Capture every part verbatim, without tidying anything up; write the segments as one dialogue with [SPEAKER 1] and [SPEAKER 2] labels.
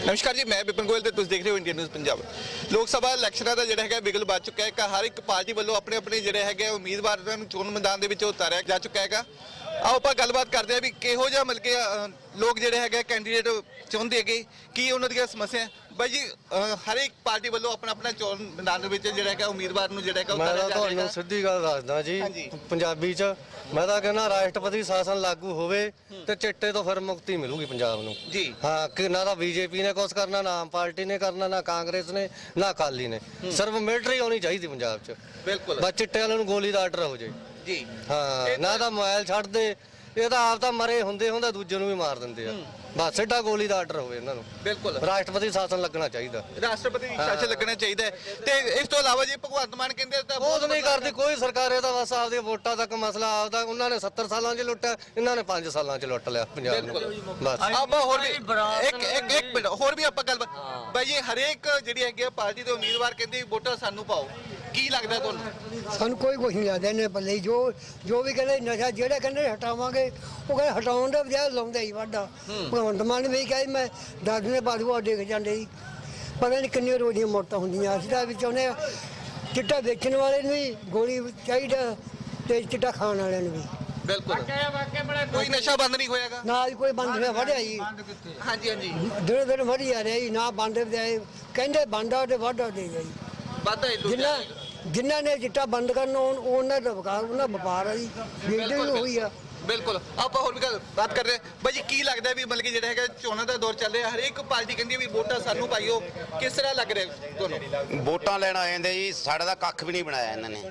[SPEAKER 1] नमस्कार जी, मैं विपिन गोयल ते तुसीं देख रहे हो इंडियन न्यूज़ पंजाब। लोक सभा इलैक्शनां दा जिहड़ा हैगा बिगल बज चुका है। हर एक पार्टी वालों अपने अपने जिहड़े हैगे उम्मीदवारां नूं चोण मैदान दे विच उतारिया जा चुका हैगा। आओ आपां गलबात करदे हां भी किहो जिहा मतलब कि लोग जिहड़े हैगे कैंडीडेट चाहुंदे हैगे की उन्हां दीयां समस्या बाई जी। हर एक पार्टी वालों अपना अपना चोण मैदान दे विच जिहड़ा हैगा उम्मीदवार नूं जिहड़ा हैगा
[SPEAKER 2] मैं ਤੁਹਾਨੂੰ ਸਿੱਧੀ ਗੱਲ ਦੱਸਦਾ ਜੀ ਪੰਜਾਬੀ ਚ ਮੈਂ ਤਾਂ ਕਹਿੰਦਾ ਰਾਸ਼ਟਰਪਤੀ ਸ਼ਾਸਨ ਲਾਗੂ ਹੋਵੇ ਤੇ ਚਿੱਟੇ ਤੋਂ ਫਿਰ ਮੁਕਤੀ ਮਿਲੂਗੀ ਪੰਜਾਬ ਨੂੰ ਜੀ। ਹਾਂ ਕਿ ਨਾ ਤਾਂ ਬੀਜੇਪੀ ਨੇ ਕੁਛ ਕਰਨਾ, ਨਾ ਆਮ ਪਾਰਟੀ ਨੇ ਕਰਨਾ, ਨਾ ਕਾਂਗਰਸ ਨੇ, ਨਾ ਅਕਾਲੀ ਨੇ। ਸਿਰਫ ਮਿਲਟਰੀ ਆਉਣੀ ਚਾਹੀਦੀ ਪੰਜਾਬ ਚ। ਬਿਲਕੁਲ ਬਸ ਚਿੱਟੇ ਵਾਲਿਆਂ ਨੂੰ ਗੋਲੀ ਦਾ ਆਰਡਰ ਹੋ ਜਾਏ ਜੀ। ਹਾਂ ਨਾ ਤਾਂ ਮੋਬਾਈਲ ਛੱਡ ਦੇ, ਇਹ ਤਾਂ ਆਪ ਤਾਂ ਮਰੇ ਹੁੰਦੇ ਹੁੰਦਾ ਦੂਜੇ ਨੂੰ ਵੀ ਮਾਰ ਦਿੰਦੇ ਆ। ਬਸ ਸਿੱਧਾ ਗੋਲੀ ਦਾ ਆਰਡਰ ਹੋਵੇ ਇਹਨਾਂ ਨੂੰ। ਬਿਲਕੁਲ ਰਾਸ਼ਟਰਪਤੀ ਸ਼ਾਸਨ ਲੱਗਣਾ ਚਾਹੀਦਾ, ਰਾਸ਼ਟਰਪਤੀ ਸ਼ਾਸਨ ਲੱਗਣਾ ਚਾਹੀਦਾ। ਤੇ ਇਸ ਤੋਂ ਇਲਾਵਾ ਜੀ ਭਗਵੰਤ ਮਾਨ ਕਹਿੰਦੇ ਤਾਂ ਬਹੁਤ ਨਹੀਂ ਕਰਦੀ ਕੋਈ ਸਰਕਾਰ। ਇਹ ਤਾਂ ਬਸ ਆਪਦੀਆਂ ਵੋਟਾਂ ਤੱਕ ਮਸਲਾ ਆਪਦਾ। ਉਹਨਾਂ ਨੇ ਸੱਤਰ ਸਾਲਾਂ 'ਚ ਲੁੱਟਿਆ, ਇਹਨਾਂ ਨੇ ਪੰਜ ਸਾਲਾਂ 'ਚ ਲੁੱਟ ਲਿਆ ਪੰਜਾਬ ਨੂੰ। ਬਸ ਆਪਾਂ ਹੋਰ ਵੀ ਇੱਕ ਇੱਕ ਇੱਕ ਮਿੰਟ ਹੋਰ ਵੀ ਆਪਾਂ ਗੱਲ ਬਾਈ ਜੀ। ਹਰੇਕ ਜਿਹੜੀ ਹੈਗੀ ਪਾਰਟੀ ਦੇ ਉਮੀਦਵਾਰ ਕਹਿੰਦੇ ਵੋਟਾਂ ਸਾਨੂੰ ਪਾਓ। ਕੀ ਲੱਗਦਾ ਤੁਹਾਨੂੰ?
[SPEAKER 3] ਸਾਨੂੰ ਕੋਈ ਕੁਛ ਨਹੀਂ ਲੱਗਦਾ ਇਹਨੇ ਪੱਲੇ। ਜੋ ਜੋ ਵੀ ਕਹਿੰਦੇ ਨਸ਼ਾ ਜਿਹੜੇ ਕਹਿੰਦੇ ਹਟਾਵਾਂਗੇ, ਉਹ ਕਹਿੰਦੇ ਹਟਾਉਣ ਦਾ ਬਜਾਏ ਲਾਉਂਦੇ ਹੀ ਵਾਢਾ। ਭਗਵੰਤ ਮਾਨ ਵੀ ਕਹੇ ਮੈਂ ਦਸ ਨੇ ਬਾਦੂ ਡਿੱਗ ਜਾਂਦੇ ਸੀ। ਪਤਾ ਨਹੀਂ ਕਿੰਨੀਆਂ ਰੋਜ਼ੀਆਂ ਮੌਤਾਂ ਹੁੰਦੀਆਂ। ਅਸੀਂ ਤਾਂ ਵੀ ਚਾਹੁੰਦੇ ਹਾਂ ਚਿੱਟਾ ਵੇਚਣ ਵਾਲੇ ਨੂੰ ਵੀ ਗੋਲੀ ਚਾਹੀਦਾ ਤੇ ਚਿੱਟਾ ਖਾਣ ਵਾਲਿਆਂ ਨੂੰ ਵੀ।
[SPEAKER 1] ਬਿਲਕੁਲ ਕੋਈ ਨਸ਼ਾ ਬੰਦ ਨਹੀਂ ਹੋਇਆਗਾ
[SPEAKER 3] ਨਾ ਕੋਈ ਬੰਦ ਹੋਇਆ ਵਧਿਆ ਜੀ।
[SPEAKER 1] ਹਾਂਜੀ ਹਾਂਜੀ
[SPEAKER 3] ਦਿਨੋਂ ਦਿਨ ਵਧੀ ਆ ਰਿਹਾ ਜੀ। ਨਾ ਬੰਦ ਬਜਾਏ ਕਹਿੰਦੇ ਬੰਦਾ ਤੇ ਵਾਢਾ ਦੇ ਗਿਆ ਜੀ। ਜਿੰਨਾ ਜਿਨ੍ਹਾਂ ਨੇ ਚਿੱਟਾ ਬੰਦ ਕਰਨਾ ਉਹਨਾਂ ਦਾ ਵਕਾਰ ਉਹਨਾਂ ਵਪਾਰ ਆ ਜੀ। ਵੇਚਦੇ ਵੀ ਹੋਈ ਆ।
[SPEAKER 1] ਬਿਲकुल ਆਪਾਂ ਹੋਰ ਵੀ ਬਾਤ ਕਰ ਰਹੇ ਬਾਈ ਜੀ। ਕੀ ਲੱਗਦਾ ਵੀ ਮਤਲਬ ਕਿ ਜਿਹੜਾ ਹੈਗਾ ਚੋਣਾਂ ਦਾ ਦੌਰ ਚੱਲ ਰਿਹਾ, ਹਰੇਕ ਪਾਰਟੀ ਕਹਿੰਦੀ ਵੀ ਵੋਟਾਂ ਸਾਨੂੰ ਪਾਈਓ। ਕਿਸ ਤਰ੍ਹਾਂ ਲੱਗ ਰਿਹਾ ਤੁਹਾਨੂੰ?
[SPEAKER 4] ਵੋਟਾਂ ਲੈਣ ਆ ਜਾਂਦੇ ਜੀ, ਸਾਡਾ ਤਾਂ ਕੱਖ ਵੀ ਨਹੀਂ ਬਣਾਇਆ ਇਹਨਾਂ ਨੇ।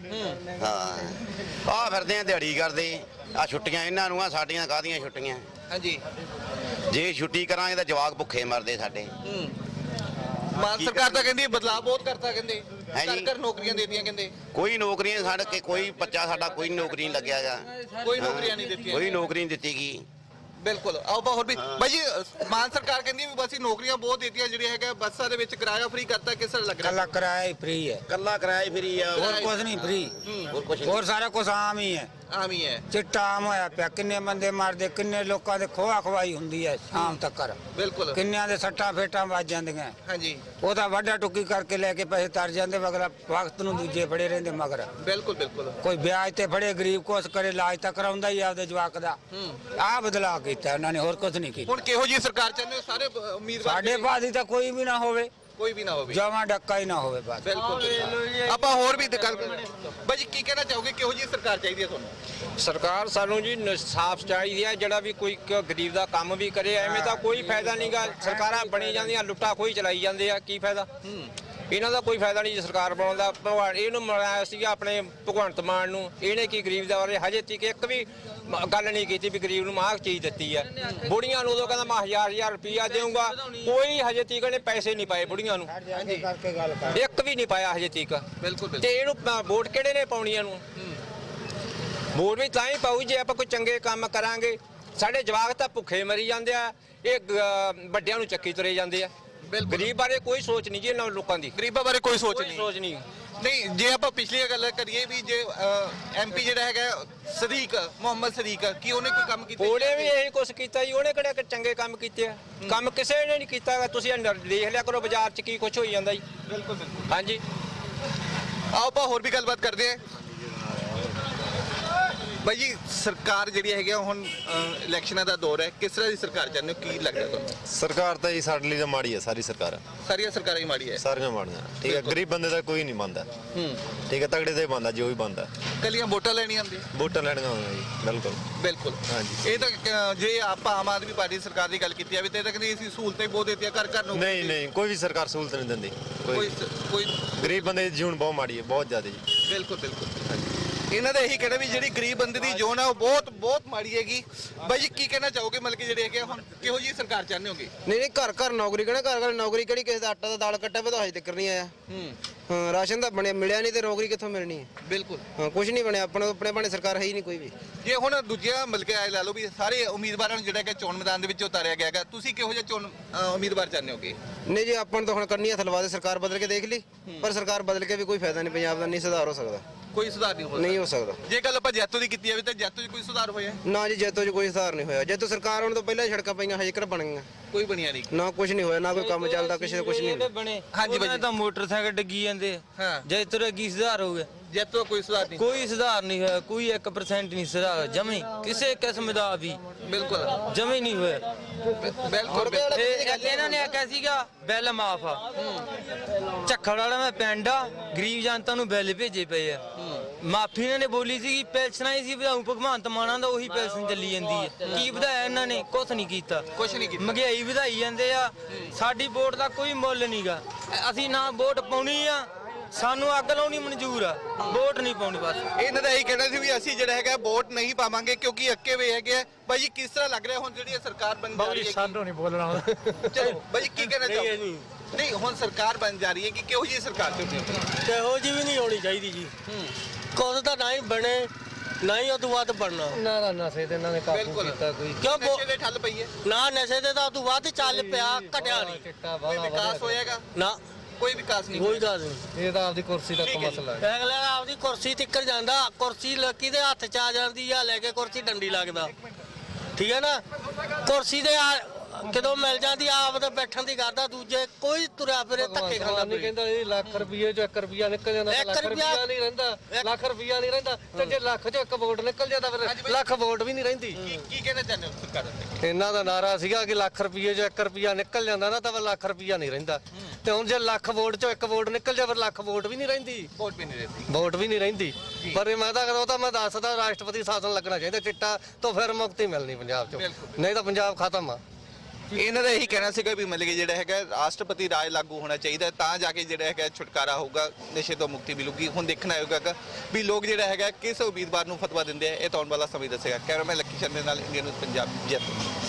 [SPEAKER 4] ਹਾਂ ਆ ਫਿਰਦੇ ਆ ਦਿਹਾੜੀ ਕਰਦੇ ਆ। ਛੁੱਟੀਆਂ ਇਹਨਾਂ ਨੂੰ ਆ, ਸਾਡੀਆਂ ਕਾਹਦੀਆਂ ਛੁੱਟੀਆਂ? ਹਾਂਜੀ ਜੇ ਛੁੱਟੀ ਕਰਾਂਗੇ ਤਾਂ ਜਵਾਕ ਭੁੱਖੇ ਮਰਦੇ ਸਾਡੇ।
[SPEAKER 1] ਮਾਨ ਸਰਕਾਰ ਤਾਂ ਕਹਿੰਦੀ ਬਦਲਾਅ ਬਹੁਤ ਕਰਤਾ, ਕਹਿੰਦੇ ਸਰਕਾਰ ਨੌਕਰੀਆਂ ਦੇਤੀਆਂ, ਕਹਿੰਦੇ
[SPEAKER 4] ਕੋਈ ਨੌਕਰੀਆਂ ਸਾਡੇ ਕੇ ਕੋਈ ਬੱਚਾ ਸਾਡਾ ਕੋਈ ਨੌਕਰੀ ਨਹੀਂ ਲੱਗਿਆਗਾ।
[SPEAKER 1] ਕੋਈ ਨੌਕਰੀਆਂ ਨਹੀਂ ਦਿੱਤੀਆਂ,
[SPEAKER 4] ਕੋਈ ਨੌਕਰੀ ਨਹੀਂ ਦਿੱਤੀ ਗਈ।
[SPEAKER 1] ਬਿਲकुल आओ बा होर भी भाई जी। मान सरकार कहती है बस नौकरियां बहुत देती जिहड़ियां है बसां दे विच किराया फ्री करता। किस तरह लग रहा है?
[SPEAKER 5] कल्ला किराया ही फ्री है,
[SPEAKER 4] कल्ला किराया फ्री है
[SPEAKER 5] और कुछ नहीं फ्री।
[SPEAKER 4] और कुछ
[SPEAKER 5] और सारा कुछ आम ही है।
[SPEAKER 1] आम ही है।
[SPEAKER 5] चिट्टा आम होया पिया। किन्ने बंदे मारदे, किन्ने लोकां दे खोआ खवाई हुंदी है शाम तक।
[SPEAKER 1] बिल्कुल
[SPEAKER 5] किन्नियां दे सट्टा फेटा वज जांदियां।
[SPEAKER 1] हां जी
[SPEAKER 5] ਉਹ ਤਾਂ ਵਾਢਾ ਟੁੱਕੀ ਕਰਕੇ ਲੈ ਕੇ ਪੈਸੇ ਤਰ ਜਾਂਦੇ, ਮਗਰ ਵਕਤ ਨੂੰ ਦੂਜੇ ਫੜੇ ਰਹਿੰਦੇ ਮਗਰ।
[SPEAKER 1] ਬਿਲਕੁਲ ਬਿਲਕੁਲ
[SPEAKER 5] ਕੋਈ ਵਿਆਜ ਤੇ ਫੜੇ, ਗਰੀਬ ਕੋਸ ਕਰੇ, ਇਲਾਜ ਤਾਂ ਕਰਾਉਂਦਾ ਹੀ ਆਪਦੇ ਜਵਾਕ ਦਾ। ਆਹ ਬਦਲਾਅ ਕੀਤਾ ਉਹਨਾਂ ਨੇ, ਹੋਰ ਕੁਝ ਨਹੀਂ ਕੀਤਾ।
[SPEAKER 1] ਹੁਣ ਕਿਹੋ ਜੀ ਸਰਕਾਰ ਚਾਹੁੰਦੇ ਹੋ? ਸਾਰੇ ਉਮੀਦਵਾਰ
[SPEAKER 5] ਸਾਡੇ ਬਾਦੀ ਤਾਂ ਕੋਈ ਵੀ ਨਾ ਹੋਵੇ,
[SPEAKER 1] ਕੋਈ ਵੀ ਨਾ ਹੋਵੇ,
[SPEAKER 5] ਜਮਾਂ ਡੱਕਾ ਹੀ ਨਾ ਹੋਵੇ ਬਸ।
[SPEAKER 1] ਬਿਲਕੁਲ ਆਪਾਂ ਹੋਰ ਵੀ ਗੱਲ ਬਾਈ ਜੀ। ਕੀ ਕਹਿਣਾ ਚਾਹੋਗੇ, ਕਿਹੋ ਜੀ ਸਰਕਾਰ ਚਾਹੀਦੀ ਹੈ ਤੁਹਾਨੂੰ?
[SPEAKER 6] ਸਰਕਾਰ ਸਾਨੂੰ ਜੀ ਸਾਫ਼ ਚਾਹੀਦੀ ਹੈ, ਜਿਹੜਾ ਵੀ ਕੋਈ ਗਰੀਬ ਦਾ ਕੰਮ ਵੀ ਕਰੇ। ਐਵੇਂ ਤਾਂ ਕੋਈ ਫਾਇਦਾ ਨਹੀਂਗਾ। ਸਰਕਾਰਾਂ ਬਣੀ ਜਾਂਦੀਆਂ, ਲੁੱਟਾ ਖੋਹੀ ਚਲਾਈ ਜਾਂਦੇ ਆ। ਕੀ ਫਾਇਦਾ ਇਹਨਾਂ ਦਾ? ਕੋਈ ਫਾਇਦਾ ਨਹੀਂ ਜੀ ਸਰਕਾਰ ਬਣਾਉਣ ਦਾ। ਭਗਵਾਨ ਇਹਨੂੰ ਮਿਲਾਇਆ ਸੀਗਾ ਆਪਣੇ ਭਗਵੰਤ ਮਾਨ ਨੂੰ। ਇਹਨੇ ਕੀ ਗਰੀਬ ਦਾ ਬਾਰੇ ਹਜੇ ਤੱਕ ਇੱਕ ਵੀ ਗੱਲ ਨਹੀਂ ਕੀਤੀ ਵੀ ਗਰੀਬ ਨੂੰ ਆਹ ਚੀਜ਼ ਦਿੱਤੀ ਹੈ। ਬੁੜੀਆਂ ਨੂੰ ਉਦੋਂ ਕਹਿੰਦਾ ਮੈਂ ਹਜ਼ਾਰ ਹਜ਼ਾਰ ਰੁਪਈਆ ਦੇਊਂਗਾ, ਕੋਈ ਹਜੇ ਤੱਕ ਇਹਨੇ ਪੈਸੇ ਨਹੀਂ ਪਾਏ ਬੁੜੀਆਂ ਨੂੰ, ਇੱਕ ਵੀ ਨਹੀਂ ਪਾਇਆ ਹਜੇ ਤੱਕ। ਬਿਲਕੁਲ ਤੇ ਇਹਨੂੰ ਵੋਟ ਕਿਹੜੇ ਨੇ ਪਾਉਣੀ? ਇਹਨੂੰ ਵੋਟ ਵੀ ਤਾਂ ਹੀ ਪਾਊ ਜੇ ਆਪਾਂ ਕੋਈ ਚੰਗੇ ਕੰਮ ਕਰਾਂਗੇ। ਸਾਡੇ ਜਵਾਕ ਤਾਂ ਭੁੱਖੇ ਮਰੀ ਜਾਂਦੇ ਆ, ਇਹ ਵੱਡਿਆਂ ਨੂੰ ਚੱਕੀ ਤੁਰੇ ਜਾਂਦੇ ਆ। ਗਰੀਬ ਬਾਰੇ ਕੋਈ ਸੋਚ ਨਹੀਂ ਜੀ ਇਹਨਾਂ ਲੋਕਾਂ ਦੀ।
[SPEAKER 1] ਗਰੀਬਾਂ ਬਾਰੇ ਕੋਈ ਸੋਚ ਨਹੀਂ
[SPEAKER 6] ਸੋਚ ਨਹੀਂ
[SPEAKER 1] ਨਹੀਂ ਜੇ ਆਪਾਂ ਪਿਛਲੀ ਗੱਲ ਕਰੀਏ ਵੀ ਜੇ ਐਮਪੀ ਜਿਹੜਾ ਹੈਗਾ ਸਦੀਕ ਮੁਹੰਮਦ ਸਦੀਕ, ਕੀ ਉਹਨੇ ਕੋਈ ਕੰਮ ਕੀਤਾ?
[SPEAKER 6] ਉਹਨੇ ਵੀ ਇਹੀ ਕੁਛ ਕੀਤਾ ਜੀ। ਉਹਨੇ ਕਿਹੜੇ ਚੰਗੇ ਕੰਮ ਕੀਤੇ ਆ? ਕੰਮ ਕਿਸੇ ਨੇ ਨਹੀਂ ਕੀਤਾ। ਤੁਸੀਂ ਦੇਖ ਲਿਆ ਕਰੋ ਬਾਜ਼ਾਰ 'ਚ ਕੀ ਕੁਛ ਹੋਈ ਜਾਂਦਾ ਜੀ। ਬਿਲਕੁਲ ਬਿਲਕੁਲ ਹਾਂਜੀ।
[SPEAKER 1] ਆਓ ਆਪਾਂ ਹੋਰ ਵੀ ਗੱਲਬਾਤ ਕਰਦੇ ਹਾਂ ਬਾਈ ਜੀ। ਸਰਕਾਰ ਜਿਹੜੀ ਹੈਗੀ ਹੁਣ ਇਲੈਕਸ਼ਨਾਂ ਦਾ ਦੌਰ ਹੈ, ਕਿਸ ਤਰ੍ਹਾਂ ਦੀ ਸਰਕਾਰ ਚਾਹੁੰਦੇ ਹੋ? ਕੀ ਲੱਗਦਾ ਤੁਹਾਨੂੰ?
[SPEAKER 7] ਸਰਕਾਰ ਤਾਂ ਜੀ ਸਾਡੇ ਲਈ ਤਾਂ ਮਾੜੀ ਹੈ। ਸਾਰੀ ਸਰਕਾਰ
[SPEAKER 1] ਸਾਰੀਆਂ ਸਰਕਾਰਾਂ ਹੀ ਮਾੜੀ ਹੈ।
[SPEAKER 7] ਸਾਰੀਆਂ ਮਾੜੀਆਂ, ਠੀਕ ਹੈ। ਗਰੀਬ ਬੰਦੇ ਦਾ ਕੋਈ ਨਹੀਂ ਬੰਦਾ, ਠੀਕ ਹੈ। ਤਗੜੇ ਤੇ ਬੰਦਾ ਜੋ ਵੀ ਬੰਦਾ
[SPEAKER 1] ਕੱਲੀਆਂ ਵੋਟਾਂ ਲੈਣੀਆਂ ਆਉਂਦੀਆਂ,
[SPEAKER 7] ਵੋਟਾਂ ਲੈਣੀਆਂ ਆਉਂਦੀਆਂ ਜੀ। ਬਿਲਕੁਲ
[SPEAKER 1] ਬਿਲਕੁਲ
[SPEAKER 7] ਹਾਂਜੀ।
[SPEAKER 1] ਇਹ ਤਾਂ ਜੇ ਆਪਾਂ ਆਮ ਆਦਮੀ ਪਾਰਟੀ ਸਰਕਾਰ ਦੀ ਗੱਲ ਕੀਤੀ ਜਾਵੇ ਤੇ ਇਹ ਤਾਂ ਕਹਿੰਦੀ ਅਸੀਂ ਸਹੂਲਤਾਂ ਹੀ ਬਹੁਤ ਦਿੱਤੀਆਂ ਘਰ ਘਰ ਨੂੰ।
[SPEAKER 7] ਨਹੀਂ ਨਹੀਂ ਕੋਈ ਵੀ ਸਰਕਾਰ ਸਹੂਲਤ ਨਹੀਂ ਦਿੰਦੀ।
[SPEAKER 1] ਕੋਈ ਕੋਈ
[SPEAKER 7] ਗਰੀਬ ਬੰਦੇ ਦੀ ਜੂਨ ਬਹੁਤ ਮਾੜੀ ਹੈ, ਬਹੁਤ ਜ਼ਿਆਦਾ ਜੀ।
[SPEAKER 1] ਬਿਲਕੁਲ ਬਿਲਕੁਲ ਇਹਨਾਂ ਦਾ ਇਹੀ ਕਹਿਣਾ ਵੀ ਜਿਹੜੀ ਗਰੀਬ ਬੰਦੇ ਦੀ ਜੋਨ ਹੈ ਉਹ ਬਹੁਤ ਬਹੁਤ ਮਾੜੀ ਹੈਗੀ। ਬਾਈ ਜੀ ਕੀ ਕਹਿਣਾ ਚਾਹੋਗੇ ਮਤਲਬ ਕਿ ਜਿਹੜੇ ਹੈਗੇ ਹੁਣ ਕਿਹੋ ਜਿਹੀ ਸਰਕਾਰ ਚਾਹੁੰਦੇ ਹੋਗੇ?
[SPEAKER 8] ਨਹੀਂ ਨਹੀਂ ਘਰ ਘਰ ਨੌਕਰੀ ਕਹਿਣਾ, ਘਰ ਘਰ ਨੌਕਰੀ ਕਿਹੜੀ? ਕਿਸੇ ਦਾ ਆਟਾ ਦਾ ਦਾਲ ਕੱਟਿਆ ਪਤਾ ਹਜੇ ਤੱਕ ਨਹੀਂ ਆਇਆ। ਹਾਂ ਰਾਸ਼ਨ ਤਾਂ ਬਣਿਆ ਮਿਲਿਆ ਨਹੀਂ ਤੇ ਨੌਕਰੀ ਕਿੱਥੋਂ ਮਿਲਣੀ ਹੈ?
[SPEAKER 1] ਬਿਲਕੁਲ
[SPEAKER 8] ਹਾਂ ਕੁਝ ਨਹੀਂ ਬਣਿਆ। ਆਪਣੇ ਆਪਣੇ ਬਣੇ ਸਰਕਾਰ ਹੈ ਹੀ ਨਹੀਂ ਕੋਈ ਵੀ।
[SPEAKER 1] ਜੇ ਹੁਣ ਦੂਜਿਆਂ ਮਤਲਬ ਕਿ ਲਾ ਲਓ ਵੀ ਸਾਰੇ ਉਮੀਦਵਾਰਾਂ ਨੂੰ ਜਿਹੜਾ ਕਿ ਚੋਣ ਮੈਦਾਨ ਦੇ ਵਿੱਚ ਉਤਾਰਿਆ ਗਿਆ ਹੈਗਾ, ਤੁਸੀਂ ਕਿਹੋ ਜਿਹਾ ਚੋਣ ਉਮੀਦਵਾਰ ਚਾਹੁੰਦੇ ਹੋਗੇ?
[SPEAKER 8] ਨਹੀਂ ਜੀ ਆਪਾਂ ਨੂੰ ਤਾਂ ਹੁਣ ਕਰਨੀ ਹੱਥ ਲਵਾ ਦੇ। ਸਰਕਾਰ ਬਦਲ ਕੇ ਦੇਖ ਲਈ, ਪਰ ਸਰਕਾਰ ਬਦਲ ਕੇ ਵੀ ਕੋਈ ਫਾਇਦਾ ਨਹੀਂ। ਪੰਜਾਬ ਦਾ ਨਹੀਂ ਸੁਧਾਰ ਹੋ ਸਕਦਾ।
[SPEAKER 1] ਕੋਈ ਸੁਧਾਰ ਨਹੀਂ ਹੋ
[SPEAKER 8] ਨਹੀਂ ਹੋ ਸਕਦਾ।
[SPEAKER 1] ਜੇ ਗੱਲ ਆਪਾਂ ਜੈਤੋ ਦੀ ਕੀਤੀ ਜਾਵੇ ਤਾਂ ਜੈਤੋ 'ਚ ਕੋਈ ਸੁਧਾਰ ਹੋਇਆ?
[SPEAKER 8] ਨਾ ਜੀ ਜੈਤੋ 'ਚ ਕੋਈ ਸੁਧਾਰ ਨਹੀਂ ਹੋਇਆ। ਜੈਤੋ ਸਰਕਾਰ ਆਉਣ ਤੋਂ ਪਹਿਲਾਂ ਸੜਕਾਂ ਪਈਆਂ ਹਜੇ ਕਿਹੜਾ ਬਣ ਗਈਆਂ?
[SPEAKER 1] ਕੋਈ ਬਣਿਆ ਨਹੀਂ
[SPEAKER 8] ਨਾ ਕੁਝ ਨਹੀਂ ਹੋਇਆ, ਨਾ ਕੋਈ ਕੰਮ ਚੱਲਦਾ, ਕਿਸੇ ਦਾ ਕੁਝ ਨਹੀਂ ਹੋਇਆ।
[SPEAKER 5] ਬਣੇ
[SPEAKER 1] ਹਾਂਜੀ ਬਾਈ।
[SPEAKER 5] ਉਹਨਾਂ ਤਾਂ ਮੋਟਰਸਾਈਕਲ ਡਿੱਗੀ ਜਾਂਦੇ
[SPEAKER 1] ਹਾਂ।
[SPEAKER 5] ਜੇ ਤੁਰੇ ਕੀ ਸੁਧਾਰ ਹੋ ਗਿਆ?
[SPEAKER 1] ਜੇਤੋਂ ਕੋਈ ਸੁਧਾਰ ਨਹੀਂ
[SPEAKER 5] ਕੋਈ ਸੁਧਾਰ ਨਹੀਂ ਹੋਇਆ, ਕੋਈ ਇੱਕ ਪਰਸੈਂਟ ਨਹੀਂ ਸੁਧਾਰ ਜਮੀ ਕਿਸੇ ਕਿਸਮ ਦਾ ਵੀ
[SPEAKER 1] ਬਿਲਕੁਲ
[SPEAKER 5] ਜਮੀ ਨਹੀਂ ਹੋਇਆ।
[SPEAKER 1] ਬਿਲਕੁਲ ਬਿਲਕੁਲ।
[SPEAKER 5] ਇਹ ਅੱਗੇ ਇਹਨਾਂ ਨੇ ਆਖਿਆ ਸੀਗਾ ਬਿੱਲ ਮਾਫ ਆ। ਝੱਖੜ ਵਾਲਾ ਮੈਂ ਪਿੰਡ ਆ, ਗਰੀਬ ਜਨਤਾ ਨੂੰ ਬਿੱਲ ਭੇਜੇ ਪਏ ਆ। ਮਾਫੀ ਇਹਨਾਂ ਨੇ ਬੋਲੀ ਸੀ ਪੈਨਸ਼ਨਾਂ ਹੀ ਸੀ ਵਧਾਉ ਭਗਵੰਤ ਮਾਨਾਂ ਦਾ, ਉਹੀ ਪੈਨਸ਼ਨ ਚੱਲੀ ਜਾਂਦੀ ਹੈ। ਕੀ ਵਧਾਇਆ ਇਹਨਾਂ ਨੇ? ਕੁਛ ਨਹੀਂ ਕੀਤਾ।
[SPEAKER 1] ਕੁਛ ਨਹੀਂ ਕੀਤਾ।
[SPEAKER 5] ਮਹਿੰਗਾਈ ਵਧਾਈ ਜਾਂਦੇ ਆ। ਸਾਡੀ ਵੋਟ ਦਾ ਕੋਈ ਮੁੱਲ ਨਹੀਂਗਾ। ਅਸੀਂ ਨਾ ਵੋਟ ਪਾਉਣੀ ਆ, ਸਾਨੂੰ ਅੱਗ ਲਾਉਣੀ ਮਨਜ਼ੂਰ ਆ, ਵੋਟ ਨਹੀਂ ਪਾਉਣੀ ਬਸ।
[SPEAKER 1] ਇਹਨਾਂ ਦਾ ਇਹੀ ਕਹਿਣਾ ਸੀ ਵੀ ਅਸੀਂ ਜਿਹੜਾ ਹੈਗਾ ਵੋਟ ਨਹੀਂ ਪਾਵਾਂਗੇ ਕਿਉਂਕਿ ਅੱਕੇ ਵੇ ਹੈਗੇ ਆ। ਬਾਈ ਜੀ ਕਿਸ ਤਰ੍ਹਾਂ ਲੱਗ ਰਿਹਾ ਹੁਣ ਜਿਹੜੀ ਇਹ ਸਰਕਾਰ ਬਣ ਜਾ ਰਹੀ ਹੈ?
[SPEAKER 2] ਸਾਨੂੰ ਨਹੀਂ ਬੋਲਣਾ
[SPEAKER 1] ਚਲੋ ਬਾਈ ਜੀ ਕੀ ਕਹਿਣਾ ਚਾਹੋ? ਨਹੀਂ ਹੁਣ ਸਰਕਾਰ ਬਣ ਜਾ ਰਹੀ ਹੈ ਕਿ ਕਿਹੋ ਜਿਹੀ ਸਰਕਾਰ ਚਾਹੁੰਦੇ ਹੋ?
[SPEAKER 9] ਕਿਹੋ ਜੀ ਵੀ ਨਹੀਂ ਹੋਣੀ ਚਾਹੀਦੀ ਜੀ। ਕੁਝ ਤਾਂ ਨਾ ਹੀ ਬਣੇ, ਨਾ ਹੀ ਉਹ ਤੋਂ ਵੱਧ ਬਣਨਾ।
[SPEAKER 2] ਨਾ ਨਾ ਨਸ਼ੇ ਤੇ ਇਹਨਾਂ ਨੇ ਕਾਬੂ
[SPEAKER 1] ਬਿਲਕੁਲ।
[SPEAKER 2] ਕੀਤਾ ਕੋਈ
[SPEAKER 9] ਕਿਉਂ ਬੋ-
[SPEAKER 1] ਨਸ਼ੇ ਦੇ ਠੱਲ ਪਈ ਹੈ,
[SPEAKER 9] ਨਾ ਨਸ਼ੇ ਤੇ ਤਾਂ ਉਹ ਤੋਂ ਵੱਧ ਚੱਲ ਪਿਆ, ਘਟਿਆ ਨਹੀਂ।
[SPEAKER 2] ਚਿੱਟਾ
[SPEAKER 1] ਕੋਈ
[SPEAKER 2] ਵਾਲਾ
[SPEAKER 1] ਵਿਕਾਸ ਹੋਏਗਾ?
[SPEAKER 9] ਨਾ
[SPEAKER 1] ਕੋਈ ਵਿਕਾਸ ਨਹੀਂ
[SPEAKER 9] ਕੋਈ ਗੱਲ ਨਹੀਂ।
[SPEAKER 2] ਇਹ ਤਾਂ ਆਪਦੀ ਕੁਰਸੀ ਤੱਕ
[SPEAKER 1] ਠੀਕ ਹੈ ਜੀ।
[SPEAKER 2] ਮਸਲਾ ਹੈ।
[SPEAKER 9] ਅਗਲਾ ਆਪਦੀ ਕੁਰਸੀ ਤਿੱਕਰ ਜਾਂਦਾ, ਕੁਰਸੀ ਲੱਕੀ ਦੇ ਹੱਥ ਚ ਆ ਜਾਂਦੀ ਆ, ਲੈ ਕੇ ਕੁਰਸੀ ਡੰਡੀ ਲੱਗਦਾ। ਠੀਕ ਹੈ ਨਾ? ਕੁਰਸੀ ਦੇ ਆ ਕਦੋਂ ਮਿਲ ਜਾਂਦੀ ਆਪ ਤਾਂ ਬੈਠਣ ਦੀ ਕਰਦਾ, ਦੂਜੇ ਕੋਈ ਤੁਰਿਆ ਫਿਰੇ ਧੱਕੇ ਖਾਂਦਾ
[SPEAKER 2] ਨਹੀਂ
[SPEAKER 9] ਫਿਰੇ।
[SPEAKER 2] ਕਹਿੰਦਾ ਇਹ ਲੱਖ ਰੁਪਏ ਚੋਂ ਇੱਕ ਰੁਪਿਆ ਨਿਕਲ ਜਾਂਦਾ ਤਾਂ
[SPEAKER 9] ਇੱਕ
[SPEAKER 2] ਲੱਖ
[SPEAKER 9] ਰੁਪਇਆ-
[SPEAKER 2] ਰੁਪਿਆ ਨਹੀਂ ਰਹਿੰਦਾ, ਲੱਖ ਰੁਪਿਆ ਨਹੀਂ ਰਹਿੰਦਾ ਤੇ ਜੇ ਲੱਖ ਚੋਂ ਇੱਕ ਵੋਟ ਨਿਕਲ ਜਾਂਦਾ ਫਿਰ ਲੱਖ ਵੋਟ ਵੀ ਨਹੀਂ ਰਹਿੰਦੀ।
[SPEAKER 1] ਕੀ ਕੀ ਕਹਿਣਾ ਚਾਹੁੰਦੇ ਹੋ ਸਰਕਾਰ ਦੇ?
[SPEAKER 2] ਇਹਨਾਂ ਦਾ ਨਾਰਾ ਸੀਗਾ ਕਿ ਲੱਖ ਰੁਪਏ ਚੋਂ ਇੱਕ ਰੁਪਿਆ ਨਿਕਲ ਜਾਂਦਾ ਨਾ ਤਾਂ ਫਿਰ ਲੱਖ ਰੁਪਿਆ ਨਹੀਂ ਰਹਿੰਦਾ, ਤੇ ਹੁਣ ਜੇ ਲੱਖ ਵੋਟ ਚੋਂ ਇੱਕ ਵੋਟ ਨਿਕਲ ਜਾ ਫਿਰ ਲੱਖ ਵੋਟ ਵੀ ਨਹੀਂ ਰਹਿੰਦੀ,
[SPEAKER 1] ਵੋਟ ਵੀ ਨਹੀਂ ਰਹਿੰਦੀ।
[SPEAKER 2] ਵੋਟ ਵੀ ਨਹੀਂ ਰਹਿੰਦੀ। ਪਰ ਮੈਂ ਤਾਂ ਉਹ ਤਾਂ ਮੈਂ ਦੱਸਦਾ ਰਾਸ਼ਟਰਪਤੀ ਸ਼ਾਸਨ ਲੱਗਣਾ ਚਾਹੀਦਾ ਚਿੱਟਾ ਤੋਂ ਫਿਰ ਮੁਕਤੀ ਮਿਲਣੀ ਪੰਜਾਬ ਚੋਂ,
[SPEAKER 1] ਬਿਲਕੁਲ।
[SPEAKER 2] ਨਹੀਂ ਤਾਂ ਪੰਜਾਬ ਖਤਮ ਆ।
[SPEAKER 1] ਇਹਨਾਂ ਦਾ ਇਹੀ ਕਹਿਣਾ ਸੀਗਾ ਵੀ ਮਤਲਬ ਕਿ ਜਿਹੜਾ ਹੈਗਾ ਰਾਸ਼ਟਰਪਤੀ ਰਾਜ ਲਾਗੂ ਹੋਣਾ ਚਾਹੀਦਾ ਤਾਂ ਜਾ ਕੇ ਜਿਹੜਾ ਹੈਗਾ ਛੁਟਕਾਰਾ ਹੋਊਗਾ, ਨਸ਼ੇ ਤੋਂ ਮੁਕਤੀ ਮਿਲੂਗੀ। ਹੁਣ ਦੇਖਣਾ ਹੋਊਗਾ ਵੀ ਲੋਕ ਜਿਹੜਾ ਹੈਗਾ ਕਿਸ ਉਮੀਦਵਾਰ ਨੂੰ ਫਤਵਾ ਦਿੰਦੇ ਆ, ਇਹ ਤਾਂ ਆਉਣ ਵਾਲਾ ਸਮੇਂ ਦੱਸੇਗਾ। ਕੈਮਰਾਮੈਨ ਲੱਕੀ ਚੰਦ ਦੇ ਨਾਲ ਇੰਡੀਅਨ ਨਿਊਜ਼ ਪੰਜਾਬ ਜੈਤੋ।